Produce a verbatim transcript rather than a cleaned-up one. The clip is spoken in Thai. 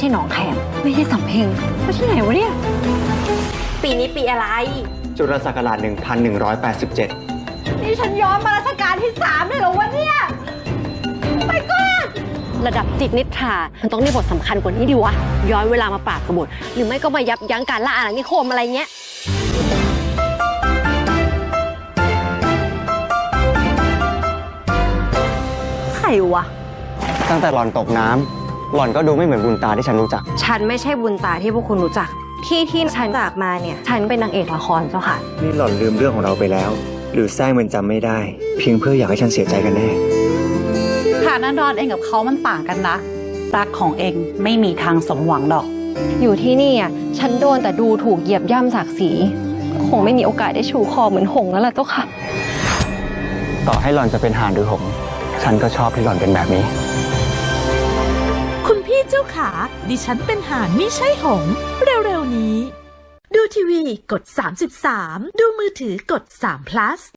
หนองแขมไม่ใช่สำเพ็งไม่ใช่ไหนวะเนี่ยปีนี้ปีอะไรจุลศักราชหนึ่งพันหนึ่งร้อยแปดสิบเจ็ดนี่ฉันย้อนมารัชกาลที่สามเลยเหรอวะเนี่ยไปก่อนระดับจิตนิทรามันต้องมีบทสำคัญกว่านี้ดิวะย้อนเวลามาปราบกบฏหรือไม่ก็มายับยั้งการล่าอาณานิคมอะไรเงี้ยใครวะตั้งแต่หล่อนตกน้ำหล่อนก็ดูไม่เหมือนบุญตาที่ฉันรู้จักฉันไม่ใช่บุญตาที่พวกคุณรู้จักที่ที่ฉันจากมาเนี่ยฉันเป็นนางเอกละครเจ้าค่ะนี่หล่อนลืมเรื่องของเราไปแล้วหรือแท้มันจำไม่ได้เพียงเพื่ออยากให้ฉันเสียใจกันแน่ฐานะดอนเองกับเขามันต่างกันนะรักของเองไม่มีทางสมหวังดอกอยู่ที่นี่อ่ะฉันโดนแต่ดูถูกเหยียบย่ำศักดิ์ศรีคงไม่มีโอกาสได้ชูคอเหมือนหงแล้วล่ะเจ้าค่ะต่อให้หล่อนจะเป็นห่านหรือหงฉันก็ชอบที่หล่อนเป็นแบบนี้คุณพี่เจ้าขาดิฉันเป็นห่านไม่ใช่หงส์เร็วๆนี้ดูทีวีกดสามสิบสามดูมือถือกดสาม plus